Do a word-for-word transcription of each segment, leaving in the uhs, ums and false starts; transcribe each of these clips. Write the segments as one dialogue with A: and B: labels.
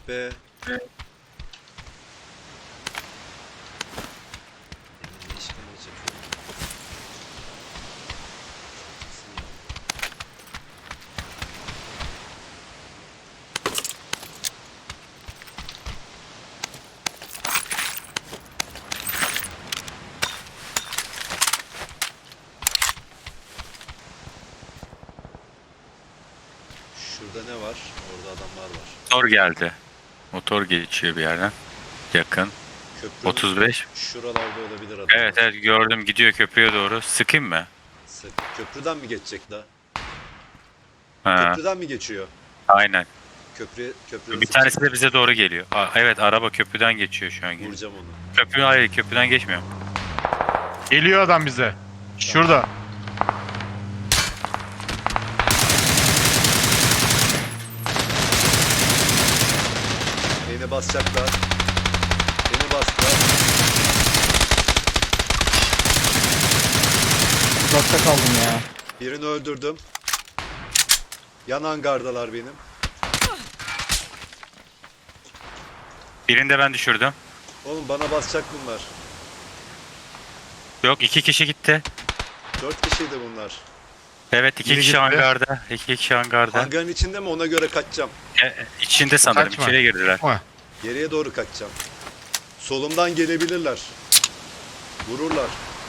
A: be. Ne işkence çekiyor? Şurada ne var? Orada adamlar var.
B: Motor geldi. Motor geçiyor bir yerden. Yakın.
A: Köprünün
B: otuz beş.
A: şuralarda olabilir adamlar.
B: Evet evet gördüm, gidiyor köprüye doğru. Sıkayım mı?
A: Sık. Köprüden mi geçecek da?
B: Ha,
A: Köprüden mi geçiyor?
B: aynen.
A: Köprü köprüden
B: Bir tanesi de bize doğru geliyor. Aa, evet, araba köprüden geçiyor şu an.
A: vuracağım onu.
B: Köprü hayır, köprüden geçmiyor.
C: Geliyor adam bize. Şurada.
A: Beni basacaklar. Beni bastılar.
D: Uzakta kaldım ya.
A: Birini öldürdüm. Yan hangardalar benim.
B: Birini de ben düşürdüm.
A: Oğlum bana basacak bunlar.
B: Yok, iki kişi gitti.
A: Dört kişiydi bunlar.
B: Evet, iki
C: Biri
B: kişi
C: gitti.
B: hangarda. İki kişi hangarda.
A: Hangarın içinde mi? Ona göre kaçacağım.
B: E, e, içinde sanırım.
C: Kaçma.
B: İçeriye girdiler.
C: Ama
A: Geriye doğru kaçacağım. Solumdan gelebilirler. Vururlar.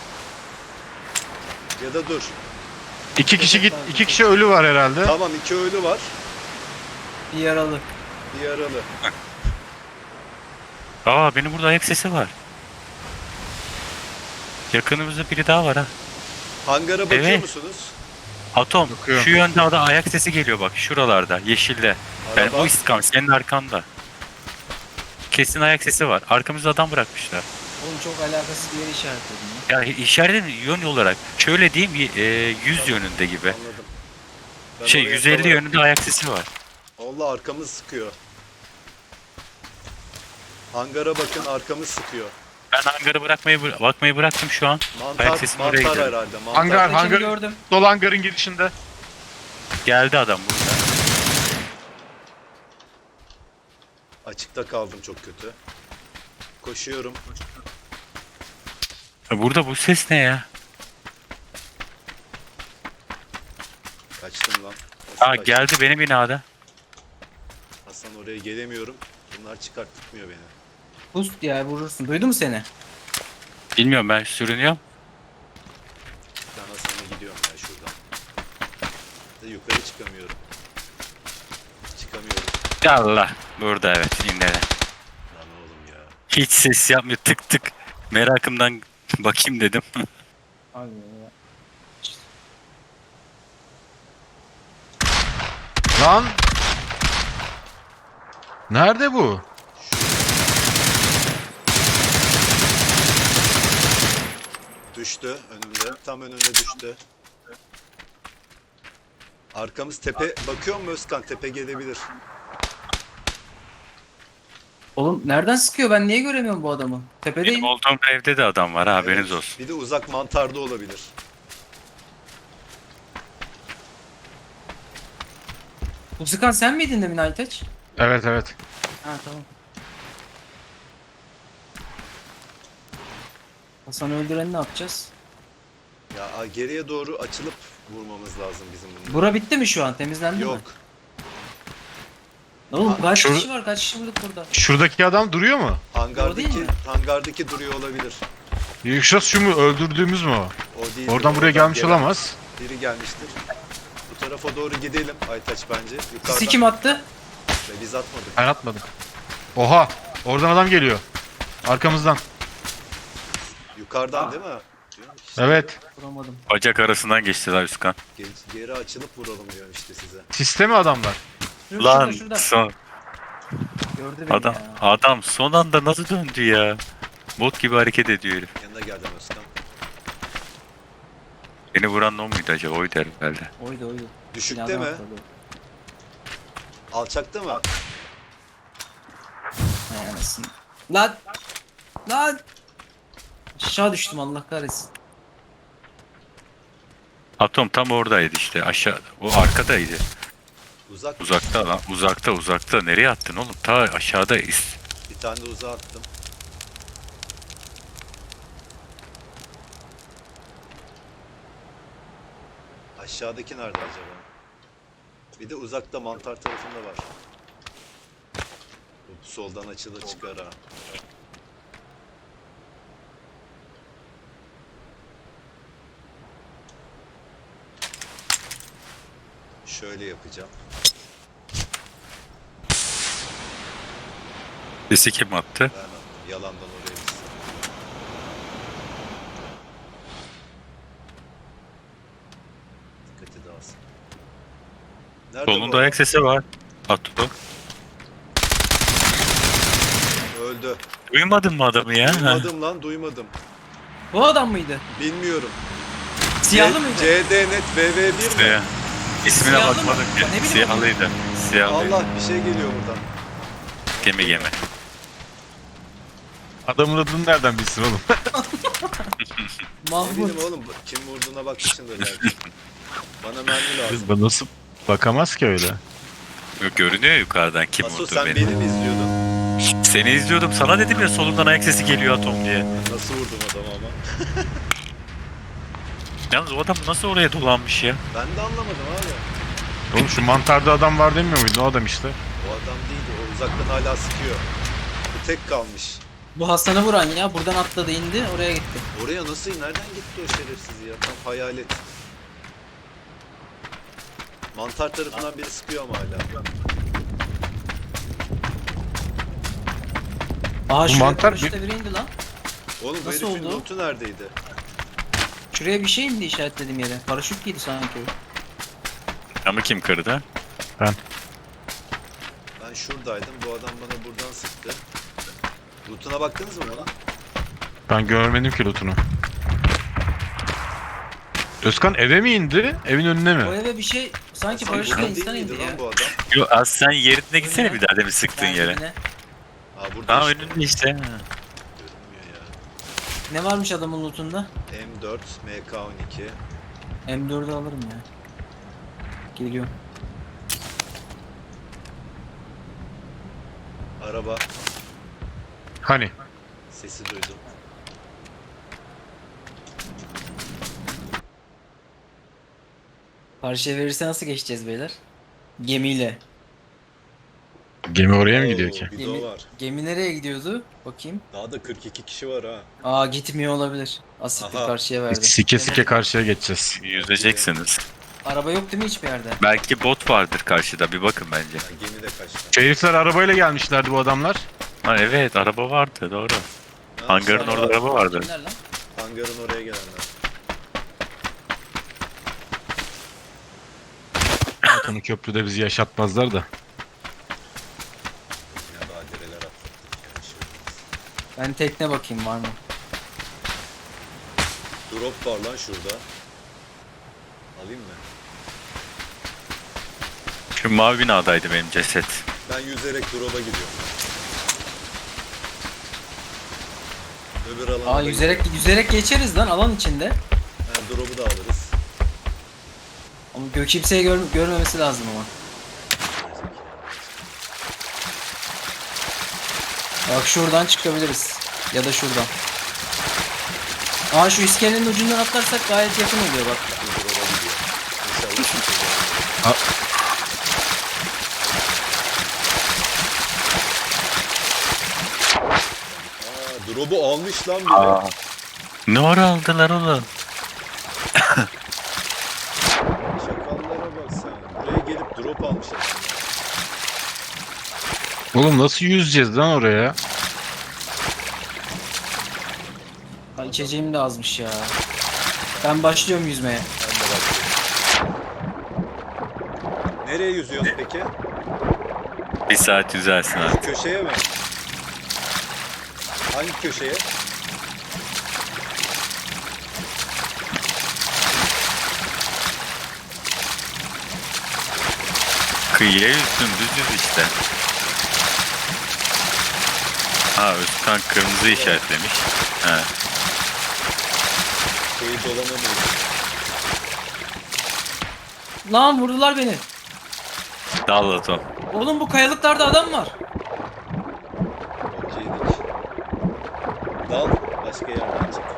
A: Ya da dur.
C: iki kişi git, iki kişi ölü var herhalde.
A: Tamam, iki ölü var.
D: Bir yaralı.
A: Bir yaralı.
B: Aa, benim burada ayak sesi var. Yakınımızda biri daha var ha.
A: Hangara bakıyor
B: Evet.
A: musunuz?
B: Atom,
C: Bakıyorum.
B: şu yönde ada ayak sesi geliyor bak, şuralarda, yeşilde. Yani
A: Araba.
B: o istikamet, senin arkanda. Kesin ayak sesi var. Arkamızda adam bırakmışlar.
D: Oğlum çok alakasız bir yere işaretledim ya.
B: Ya işaret yön olarak. Şöyle diyeyim, e, yüz yönünde gibi.
A: Anladım. Ben
B: Şey,
A: oraya
B: yüz elli
A: tavara-
B: yönünde ayak sesi var.
A: Allah, arkamız sıkıyor. Hangara bakın, arkamız sıkıyor.
B: Ben hangarı bırakmayı bıra- bakmayı bıraktım şu an.
A: Mantar,
B: Ayak sesini oraya
A: mantar
B: gidiyorum.
A: herhalde. Mantar.
C: Hangar,
D: Kaçını
C: hangar,
D: gördüm.
C: dolu hangarın girişinde.
B: Geldi adam burada.
A: Açıkta kaldım çok kötü. Koşuyorum.
B: E, Burada bu ses ne ya?
A: Kaçtım lan. Nasıl
B: Aa,
A: kaçtım?
B: geldi benim binada.
A: Hasan, oraya gelemiyorum. Bunlar çıkartmıyor beni.
D: Boost ya, vurursun. Duydu mu seni?
B: Bilmiyorum, ben sürünüyorum.
A: Ben Hasan'a gidiyorum ya şuradan. De yukarı çıkamıyorum. Çıkamıyorum.
B: Allah. Burada evet, yine.
A: Lan oğlum ya.
B: Hiç ses yapmıyor, tık tık. Merakımdan bakayım dedim.
D: Abi ya.
C: Lan. Nerede bu?
A: Düştü önümde. Tam önümde düştü. Arkamız tepe. Bakıyor mu Özkan? Tepe gelebilir.
D: Oğlum nereden sıkıyor? Ben niye göremiyorum bu adamı? Tepedeyim.
B: Benim olduğum evde de adam var ha, haberiniz
A: Evet.
B: olsun.
A: Bir de uzak mantarda olabilir.
D: Bu sıkan sen miydin demin Aytaç?
C: Evet evet.
D: Ha tamam. Hasan'ı öldüreni ne yapacağız?
A: Ya a- geriye doğru açılıp vurmamız lazım bizim bunu.
D: Bura bitti mi şu an? Temizlendi mi?
A: Yok.
D: Oğlum kaç
C: Şur-
D: kişi var? Kaç kişi bulduk burada?
C: Şuradaki adam duruyor mu?
D: O değil
A: Hangardaki
D: mi?
A: hangardaki duruyor olabilir.
C: Yuşas şu mu? Öldürdüğümüz mü o?
A: O değil.
C: Oradan buraya gelmiş olamaz.
A: Biri gelmiştir. Bu tarafa doğru gidelim Aytaç bence. Yukarıdan.
D: Sisi kim attı?
A: Ve biz atmadık.
C: Ben atmadım. Oha! Oradan adam geliyor. Arkamızdan.
A: Yukarıdan
D: Aa.
A: değil mi? İşte
C: Evet.
D: Vuramadım.
B: Bacak arasından geçtiler Üskan.
A: ge- Geri açılıp vuralım diyorum işte size.
C: Sistemi adamlar.
D: Şurada,
B: Lan
D: şurada, şurada.
B: son
D: Gördü beni
B: adam
D: ya.
B: adam son anda nasıl döndü ya? Bot gibi hareket ediyor herif.
A: Yanına geldim Özkan.
B: Beni vuran o muydu acaba? Oydu herhalde.
D: Oydu oydu.
A: Düşükte
D: Binadan
A: mi?
D: atladı.
A: Alçakta mı?
D: Hay anasını. Lan! Lan! Aşağı düştüm Allah kahretsin.
B: Atom tam oradaydı işte, aşağı o arkadaydı.
A: Uzak.
B: Uzakta lan. Uzakta uzakta. Nereye attın oğlum? Ta aşağıdayız.
A: Bir tane de uzağa attım. Aşağıdaki nerede acaba? Bir de uzakta mantar tarafında var. Bu soldan açılır çıkar ha. Şöyle yapacağım.
B: Sesi kim attı?
A: Ben attım. Yalandan oraya gitsin. Dikkati dağılsın. Nerede
B: Solunda
A: bu
B: ayak sesi var. Atto.
A: adam? Öldü.
B: Duymadın mı adamı ya?
A: Duymadım lan, duymadım.
D: Bu adam mıydı?
A: Bilmiyorum.
D: Siyahlı
A: C-
D: mıydı?
A: C D Net V V bir mi?
B: Ya. İsmine
D: Siyahlı mı?
B: bakmadım
D: Ne
B: ki.
D: bileyim
B: Siyahlıydı. Siyahlıydı.
A: Allah, bir şey geliyor buradan.
B: Gemi gemi.
C: Adamın adını nereden bilsin oğlum?
A: Ne
D: Mahmut.
A: bileyim oğlum, kim vurduğuna bakmışsındır belki. Bana mermi lazım.
C: Bu nasıl bakamaz ki öyle?
B: Yok, görünüyor yukarıdan kim
A: Aso,
B: vurdu
A: sen
B: beni.
A: beni mi izliyordun?
B: Seni izliyordum. Sana dedim ya solundan ayak sesi geliyor Atom diye.
A: Nasıl vurdum adamı ama?
B: Yalnız o adam nasıl oraya dolanmış ya?
A: Ben de anlamadım abi.
C: Oğlum şu mantarda adam var demiyor muydun? O adam işte.
A: O adam değildi, o uzaktan hala sıkıyor. Bu tek kalmış.
D: Bu Hasan'ı vuran ya. Buradan atladı indi. Oraya gitti.
A: Oraya nasıl, nereden gitti o şerefsiz ya? Tam hayalet. Mantar tarafından biri sıkıyor ama hala.
D: Aa şuraya
C: mantar
D: paraşütle biri indi lan.
A: Oğlum bu
D: Nasıl
A: herifin
D: oldu?
A: lootu neredeydi?
D: Şuraya bir şey indi işaretlediğim yere. Paraşüt giydi sanki.
B: Ama kim kırdı?
A: Ben şuradaydım, bu adam bana buradan sıktı. Lootuna baktınız mı bana?
C: Ben görmedim ki lootunu. Özkan eve mi indi? Evin önüne
D: O
C: mi?
D: eve bir şey sanki
A: Sen
D: paraşütle
A: buradan değil
D: insan
A: miydi
D: indi
A: lan
D: ya.
A: bu adam?
B: Yo az sen yerine gitsene
D: Önüne.
B: bir daha demin sıktığın
D: Ben
B: yere.
D: yine.
A: Aa, burada
B: Daha
A: işte.
B: önünde işte.
A: Görünmüyor ya.
D: Ne varmış adamın lootunda?
A: M dört, M K on iki.
D: M dördü alırım ya. Geliyorum.
A: Araba
C: Hani?
A: sesi duydum.
D: Karşıya verirse nasıl geçeceğiz beyler? Gemiyle.
C: Gemi oraya mı gidiyor
A: Oo,
C: ki?
A: Bir
D: Gemi,
A: de o var.
D: gemi nereye gidiyordu? Bakayım.
A: Daha da kırk iki kişi var ha.
D: Aa gitmiyor olabilir. Asitli
A: Aha.
D: karşıya verdi.
C: Sike sike karşıya geçeceğiz.
B: Yüzeceksiniz.
D: Araba yok değil mi hiçbir yerde?
B: Belki bot vardır karşıda. Bir bakın bence.
A: Ha, gemi de kaçtı.
C: Şu herifler arabayla gelmişlerdi bu adamlar.
B: Ha evet araba vardı doğru.
A: Ha,
B: Hangarın
A: sonra
B: orada araba vardı.
D: Kimler lan?
A: Hangarın oraya gelenler.
C: Zaten köprüde bizi yaşatmazlar da.
A: Yine badireler atlattık. Yani şey olmaz.
D: Ben tekne bakayım var mı?
A: Drop var lan şurada. Alayım mı?
B: Şu mavi binadaydı benim ceset.
A: Ben yüzerek drop'a gidiyorum. Öbür alana
D: Aa
A: da
D: yüzerek yüzerek geçeriz lan alan içinde.
A: gidiyorum. Ha, drop'u da alırız.
D: Ama gök kimseye gör, görmemesi lazım ama. Bak şuradan çıkabiliriz. Ya da şuradan. Aa şu iskelenin ucundan atlarsak gayet yakın oluyor bak.
A: Bu drop'a gidiyor. İnşallah kimse gelmez.
C: Ha.
A: Aa, drop'u almış lan biri.
B: Aa. Ne ara aldılar oğlum?
A: Şakallara bak sen. Buraya gelip drop almış adamlar.
C: Oğlum nasıl yüzeceğiz lan oraya?
D: Ha, içeceğim de azmış ya. Ben başlıyorum yüzmeye.
A: Ben de bakıyorum. Nereye yüzüyorsun peki?
B: Bir saat yüzersin artık.
A: Köşeye mi? Hangi köşeye?
B: Kıyıya yüzdün düz yüz işte. Ha Özkan kırmızı işaretlemiş. Ha.
A: Şeyi dolanamıyorum.
D: Lan vurdular beni.
B: Dal Atom.
D: Oğlum bu kayalıklarda adam var.
A: Okeydik. Dal başka yerden çık.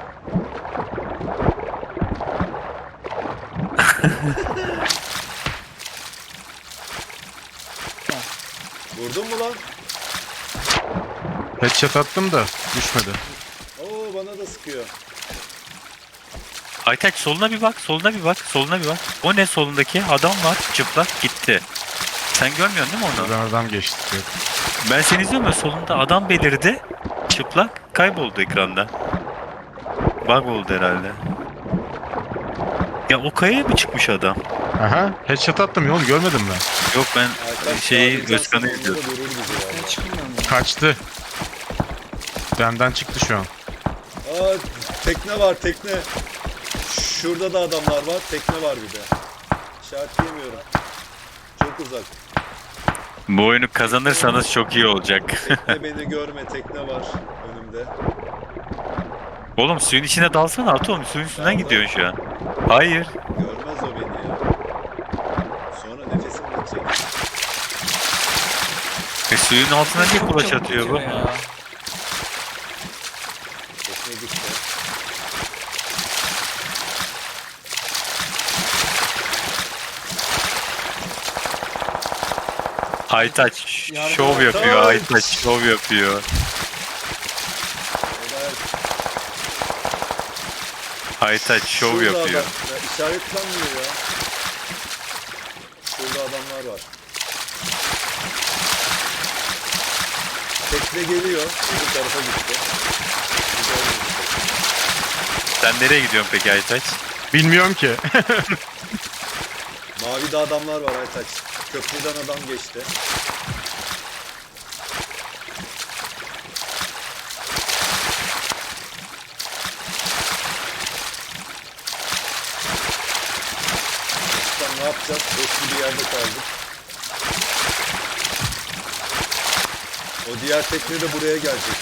A: Vurdun mu lan?
C: Headshot attım da düşmedi.
A: Oo bana da sıkıyor.
B: Aytaç soluna bir bak, soluna bir bak, soluna bir bak. O ne solundaki? Adam var, çıplak gitti. Sen görmüyorsun değil mi onu?
C: Oradan adam geçti. Yok.
B: Ben seni izliyorum ya, solunda adam belirdi. Çıplak kayboldu ekranda. Bug oldu herhalde. Ya o kayaya mı çıkmış adam?
C: Aha. Headshot attım ya oğlum, görmedim ben.
B: Yok ben
A: Arkadaş,
B: şeyi
A: sağlayacaksan
B: Özkan'ı
A: onları
B: izliyorum.
A: vurur bizi
D: Ben
A: valla.
D: çıkmıyorum ya.
C: Kaçtı. Benden çıktı şu an.
A: Aa tekne var tekne. Şurada da adamlar var. Tekne var bir de. İşaretleyemiyorum. Çok uzak.
B: Bu oyunu kazanırsanız çok iyi olacak.
A: Tekne beni görme. Tekne var önümde.
B: Oğlum suyun içine dalsana Atom, suyun üstünden gidiyorsun şu an. Hayır.
A: Görmez o beni ya. Sonra nefesim bitecek.
B: E, suyun altına niye
D: Çok
B: kulaç
D: çabuk
B: atıyor bu?
D: bitiyor ya.
A: Tekne gitti.
B: Aytaç
D: Yardım
B: şov
A: et.
B: yapıyor,
A: Aytaç.
B: Aytaç şov yapıyor.
A: Evet.
B: Aytaç şov
A: Şurada
B: yapıyor.
A: adam. Ya işaretlenmiyor ya. Şurada adamlar var. Tekne geliyor. Bu tarafa gitti. Bu da oraya gitti.
B: Sen nereye gidiyorsun peki Aytaç?
C: Bilmiyorum ki.
A: Mavide adamlar var Aytaç. Köprüden adam geçti. Başkan ne yapacağız? Eski bir yerde kaldık. O diğer tekne de buraya gelecek.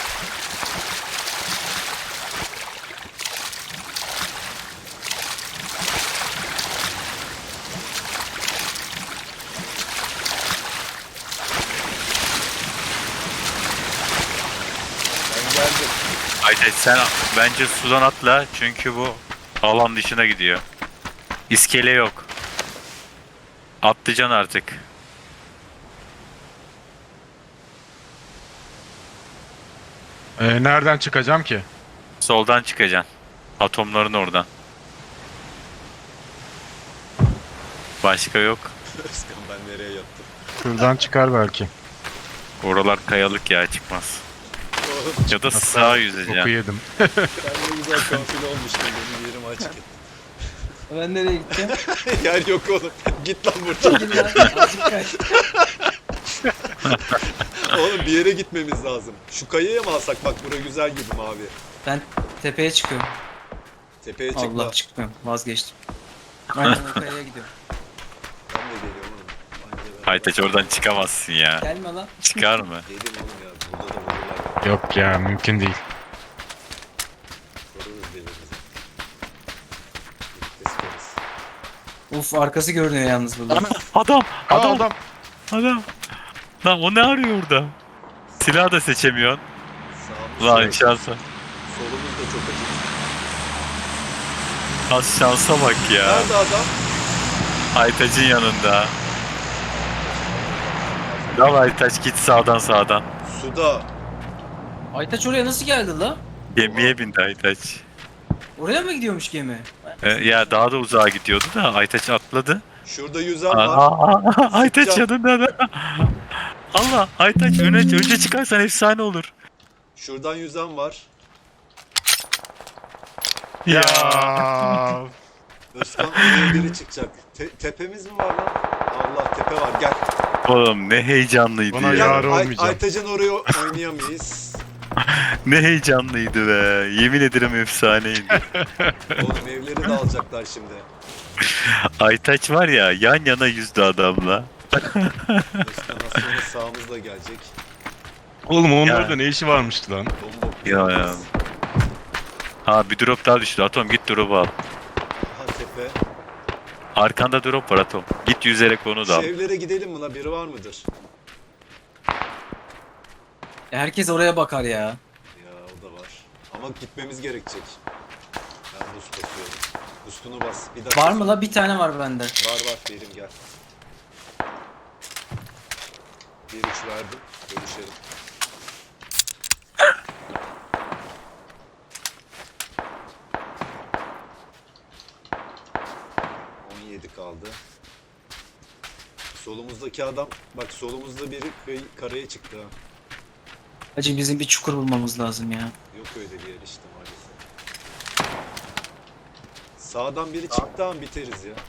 A: Ben geldim.
B: Aytaç sen bence sudan atla çünkü bu alan dışına gidiyor. İskele yok. Atlayacaksın artık.
C: Ee, nereden çıkacağım ki?
B: Soldan çıkacaksın. Atomların oradan. Başka yok.
A: Özkan ben nereye yattım?
C: Şuradan çıkar belki.
B: Oralar kayalık ya, çıkmaz.
A: Oğlum
B: Ya da sağa yüzeceksin.
C: Oku yedim.
A: ben ne güzel konfile olmuştum. Benim yerim açık.
D: Ben nereye gideceğim?
A: Yer yok oğlum. Git lan buradan.
D: Gidin lan. Azıcık kaç.
A: Oğlum bir yere gitmemiz lazım. Şu kayaya mı alsak? Bak bura güzel gibi mavi.
D: Ben tepeye çıkıyorum.
A: Tepeye çıkma.
D: Allah çıkmıyorum. Vazgeçtim. Aynen o kayaya gidiyorum.
A: Ben de geliyorum oğlum. Anca ben-
B: Aytaç oradan çıkamazsın ya.
D: Gelme lan.
B: Çıkar mı?
A: Gelin oğlum ya. Burada da vururlar.
C: Yok ya, mümkün değil.
A: Koruruz birbirimizi. Birlikte sıkarız.
D: Uf arkası görünüyor yalnız burada.
B: Adam!
C: Aa,
B: Adam!
C: adam.
B: Adam! Lan o ne arıyor orada? Silah da seçemiyorsun.
A: Sağımız
B: Lan
A: sol-
B: şansa.
A: Solumuz da çok acı.
B: Az şansa bak ya.
A: Nerede adam?
B: Aytaç'ın yanında. Dal Aytaç, git sağdan sağdan.
A: Suda.
D: Aytaç oraya nasıl geldi la?
B: Gemiye bindi Aytaç.
D: Oraya mı gidiyormuş gemi?
B: Ee, ya daha da uzağa gidiyordu da Aytaç atladı.
A: Şurada yüzen var.
B: Aa, Aytaç
A: Sıkacağım.
B: yanında da. Allah, Aytaç öne önce çıkarsan efsane olur.
A: Şuradan yüzen var.
C: Ya.
A: Özkan oraya biri çıkacak. Te- tepemiz mi var lan? Allah tepe var. Gel.
B: Oğlum ne heyecanlıydı
C: Bana
B: ya.
A: Gel.
C: yar
A: Ay-
C: olmayacağım.
A: Aytaç'ın oraya oynayamayız.
B: Ne heyecanlıydı be. Yemin ederim efsaneydi.
A: Oğlum evleri de alacaklar şimdi.
B: Aytaç var ya, yan yana yüzdü adamla.
A: Özkan az sonra sağımızda gelecek.
C: Oğlum onun
B: Ya.
C: orada ne işi varmış lan?
A: Bomba.
B: Ya ya. Ha bir drop daha düştü. Atom git drop'u al.
A: Aha tepe.
B: Arkanda drop var Atom. Git yüzerek onu da
A: Şu
B: al.
A: evlere gidelim mi la? Biri var mıdır?
D: E, herkes oraya bakar ya.
A: Ya o da var. Ama gitmemiz gerekecek. Ben boost basıyorum. Boost'unu bas. Bir dakika.
D: Var mı la? Bir tane var bende.
A: Var var verim gel. Bir üç verdim. Bölüşelim. on yedi kaldı. Solumuzdaki adam, bak solumuzda biri kıy- karaya çıktı ha.
D: Hacı bizim bir çukur bulmamız lazım ya.
A: Yok öyle bir yer işte maalesef. Sağdan biri çıktı an biteriz ya.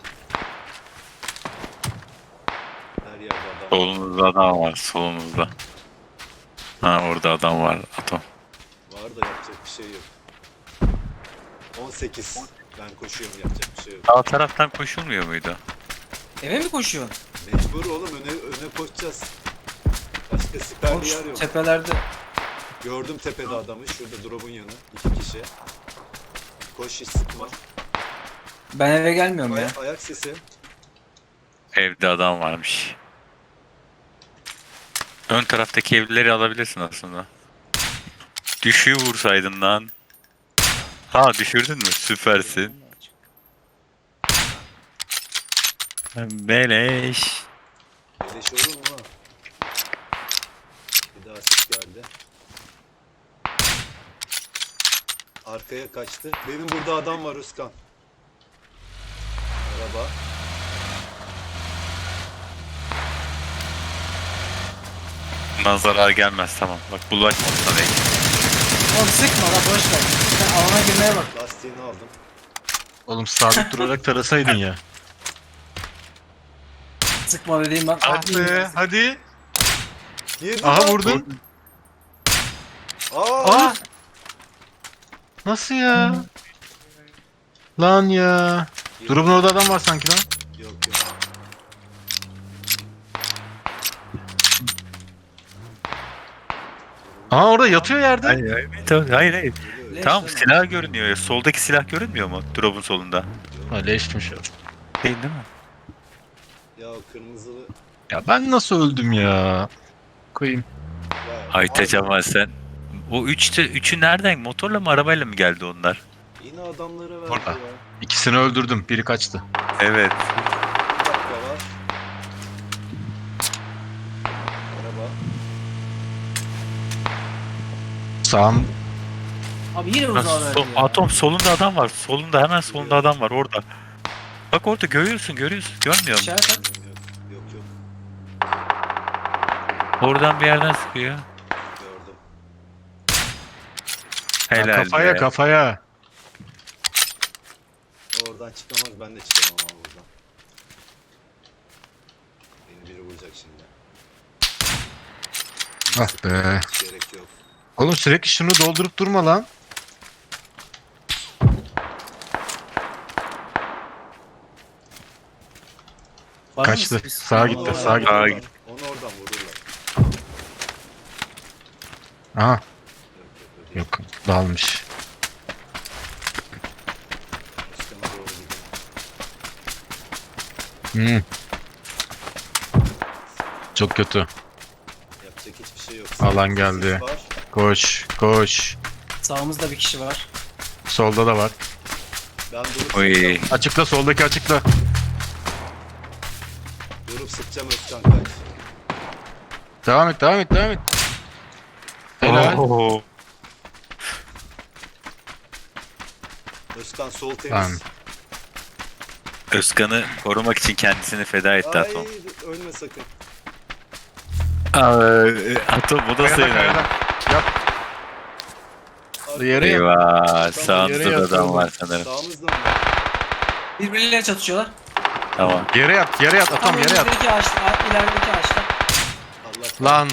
A: Her yerde adam var.
B: Solumuzda adam var. Solumuzda. Ha orada adam var Atom.
A: Var da yapacak bir şey yok. on sekiz. Ben koşuyorum yapacak bir şey yok.
B: Sağ taraftan koşulmuyor muydu?
D: Eve mi koşuyorsun?
A: Mecbur oğlum öne, öne koşacağız. Başka siper
D: Oğlum
A: bir yer
D: şu
A: yok.
D: tepelerde.
A: Gördüm tepede adamı. Şurada drop'un yanı. İki kişi. Koş hiç sıkma.
D: Ben eve gelmiyorum ya.
A: Ayak, ayak sesi.
B: Evde adam varmış. Ön taraftaki evlileri alabilirsin aslında. Düşüğü vursaydın lan. Ha düşürdün mü? Süpersin. Beleş.
A: Beleş olur mu ha? Bir daha ses geldi. Arkaya kaçtı. Benim burada adam var Özkan. Araba.
B: Bundan zarar gelmez tamam. Bak bulaşma sana.
D: Oğlum sıkma la boş ver. Sen alana girmeye bak.
A: Lastiğini aldım.
C: Oğlum sabit durarak tarasaydın ya.
D: Sıkma dediğim ben.
C: Hadi be, hadi.
A: Yedi
C: Aha
A: lan.
C: vurdun.
A: Aa!
C: Aa! Nasıl ya? Lan ya. Drop'un orada adam var sanki lan.
A: Yok yok.
C: Aa orada yatıyor yerde.
B: Hayır hayır. Hayır hayır. hayır.
A: Geliyor.
D: Leş
B: Tamam
D: deme.
B: silah görünüyor ya. Soldaki silah görünmüyor mu? Drop'un solunda.
C: Ha leşmiş ya.
B: Değil değil mi?
A: Ya o kırmızılı.
C: Ya ben nasıl öldüm ya? Koyayım.
A: Ya,
B: Aytaç
A: abi,
B: ama sen. O üçte, üçü nereden? Motorla mı arabayla mı geldi onlar?
A: Yine adamlara verdi
C: Orada.
A: ya.
C: İkisini öldürdüm. Biri kaçtı.
B: Evet.
A: Bir dakika var. Araba.
C: Sağım.
D: Abi yine uzağa verdi
B: So-
D: ya.
B: Atom solunda adam var. Solunda hemen solunda adam var orada. Bak orada görüyorsun görüyorsun. Görmüyor musun?
D: İşaret at.
A: Yok yok yok.
B: Oradan bir yerden sıkıyor.
A: Gördüm.
C: Ha,
B: Helal
C: kafaya
B: be.
C: kafaya.
A: Oradan çıkamaz ben de çıkamam ama buradan. Beni biri vuracak şimdi.
C: Ah be.
A: Hiç gerek yok.
C: Oğlum sürekli şunu doldurup durma lan.
D: Var
C: Kaçtı.
D: mısınız?
C: Sağa
D: Tamam,
C: gitti,
A: Onu
D: var.
C: sağa
A: oradan
C: gitti.
A: vururlar.
B: gitti.
A: Onu oradan vururlar.
C: Aha
A: Yok yok yok.
C: yok dalmış.
A: Üstüne doğru gidelim.
C: Hmm. Çok kötü.
A: Yapacak hiçbir şey yok.
C: Alan
A: Sağımızda
C: geldi.
A: ses var.
C: Koş koş.
D: Sağımızda bir kişi var.
C: Solda da var.
A: Ben durup
B: Oy.
A: sıkacağım.
C: Açıkla soldaki açıkla.
A: Durup sıkacağım Özkan kaç.
C: Devam et devam et devam et. Helal.
B: Oo.
A: Özkan sol temiz.
C: Lan.
B: Özkan'ı korumak için kendisini feda etti
A: Ay
B: Atom.
A: ölme sakın.
B: Aa, Atom bu da
C: Kayada,
B: sayılır.
C: kayada. Yat. Yere yat.
B: Eyvah
C: yere
B: sağımızda da
C: yatıyor
B: adam
C: oğlum.
B: var sanırım.
A: Sağımızda mı?
D: Birbirleriyle çatışıyorlar.
B: Tamam.
C: Yere yat yere yat atam yere yat.
D: önümüzdeki ağaçta, a- ilerideki ağaçta.
A: Allah
C: Lan.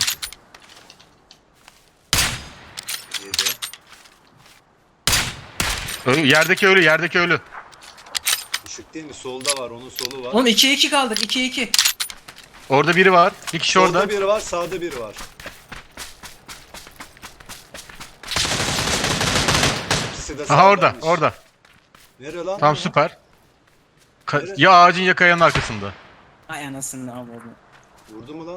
A: yedi.
C: Ölü, yerdeki ölü yerdeki ölü.
A: Düşük değil mi? Solda var, onun solu var.
D: Oğlum ikiye iki kaldık. ikiye iki.
C: Orada biri var. Bir kişi
A: Solda
C: orada.
A: biri var, sağda biri var. İkisi de
C: Aha orada
A: sağdaymış.
C: orada.
A: Nereye lan?
C: Tam süper. Ka-
A: Evet.
C: ya ağacın ya kayanın arkasında.
D: Ay anasını avradım.
A: Vurdu mu lan?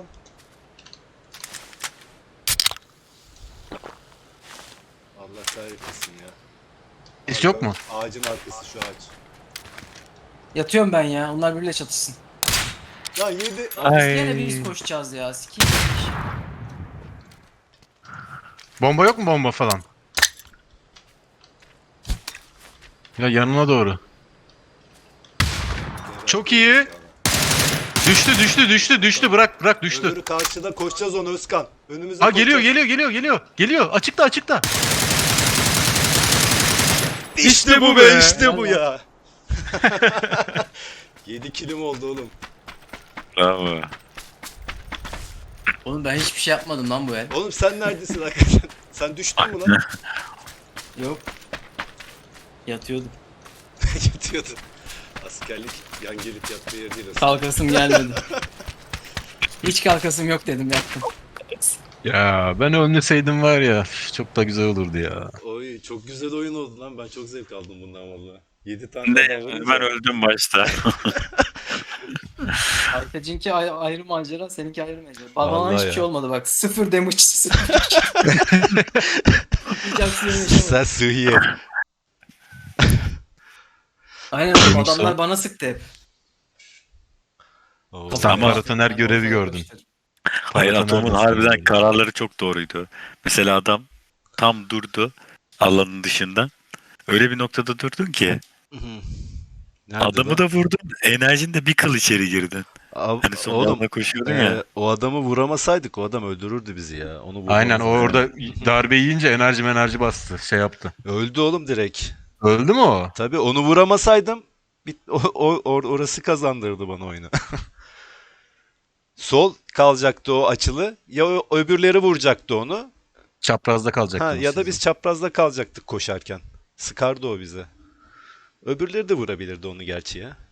A: Allah kahretmesin ya.
C: Hiç
A: Bak,
C: yok
A: bak,
C: mu?
A: Ağacın arkası şu ağaç.
D: Yatıyorum ben ya. Onlar birbiriyle çatışsın.
A: Lan yedi.
D: Lan biz
B: Ay.
D: gene biz koşacağız ya. Sikiyim.
C: Bomba yok mu bomba falan? Ya yanına doğru. Çok iyi. Düştü düştü düştü düştü bırak bırak düştü.
A: Öbürü karşıda koşacağız onu Özkan. Önümüze
C: Ha geliyor
A: koşacağız.
C: geliyor geliyor geliyor. Geliyor açıkta açıkta.
A: İşte bu be işte bu ya. yedi kilim oldu oğlum.
B: Bravo.
D: Oğlum ben hiçbir şey yapmadım lan bu el.
A: Oğlum sen neredesin hakikaten? Sen düştün mü lan?
D: Yok. Yatıyordum.
A: Yatıyordun. Askerlik yan gelip yattığı yer değil aslında.
D: Kalkasım gelmedi. Hiç kalkasım yok dedim yattım.
C: Ya ben ölmeseydim var ya üf, çok da güzel olurdu ya.
A: Oy çok güzel oyun oldu lan. Ben çok zevk aldım bundan valla. yedi tane
B: Ne,
A: adam vurunca-
B: ben öldüm başta.
D: Arkacınki ay- ayrı macera, seninki ayrı macera. Bana
A: Vallahi
D: hiçbir
A: ya.
D: şey olmadı bak. Sıfır damage. Sıfır. Hiç aksiyon yaşamadım.
A: Sen sıhhiye.
D: Aynen oğlum,
C: Neymiş
D: adamlar
C: o?
D: bana sıktı hep.
A: Oo.
C: Sen
B: Ama-
C: paratoner görevi gördün.
B: Hayır,
C: Paratoner
B: Atom'un
C: nasıl
B: harbiden
C: gördün?
B: kararları çok doğruydu. Mesela adam tam durdu alanın dışında. Öyle bir noktada durdun ki
A: Nerede
B: adamı
A: lan?
B: da vurdun, enerjin de bir kıl içeri girdin.
A: Ab-
B: Hani son
A: oğlum
B: anda koşuyordun
A: e,
B: ya.
A: o adamı vuramasaydık o adam öldürürdü bizi ya. Onu vurmamız
C: Aynen o
A: lazım.
C: orada darbe yiyince enerji enerji bastı şey yaptı.
A: Öldü oğlum direkt.
C: Öldü mü o?
A: Tabii onu vuramasaydım bit o, o- or- orası kazandırdı bana oyunu. Sol kalacaktı o açılı. Ya o, öbürleri vuracaktı onu.
C: Çaprazda
A: Ha,
C: kalacaktınız
A: ya da
C: siz.
A: biz çaprazda kalacaktık koşarken. Sıkardı o bize. Öbürleri de vurabilirdi onu gerçi ya.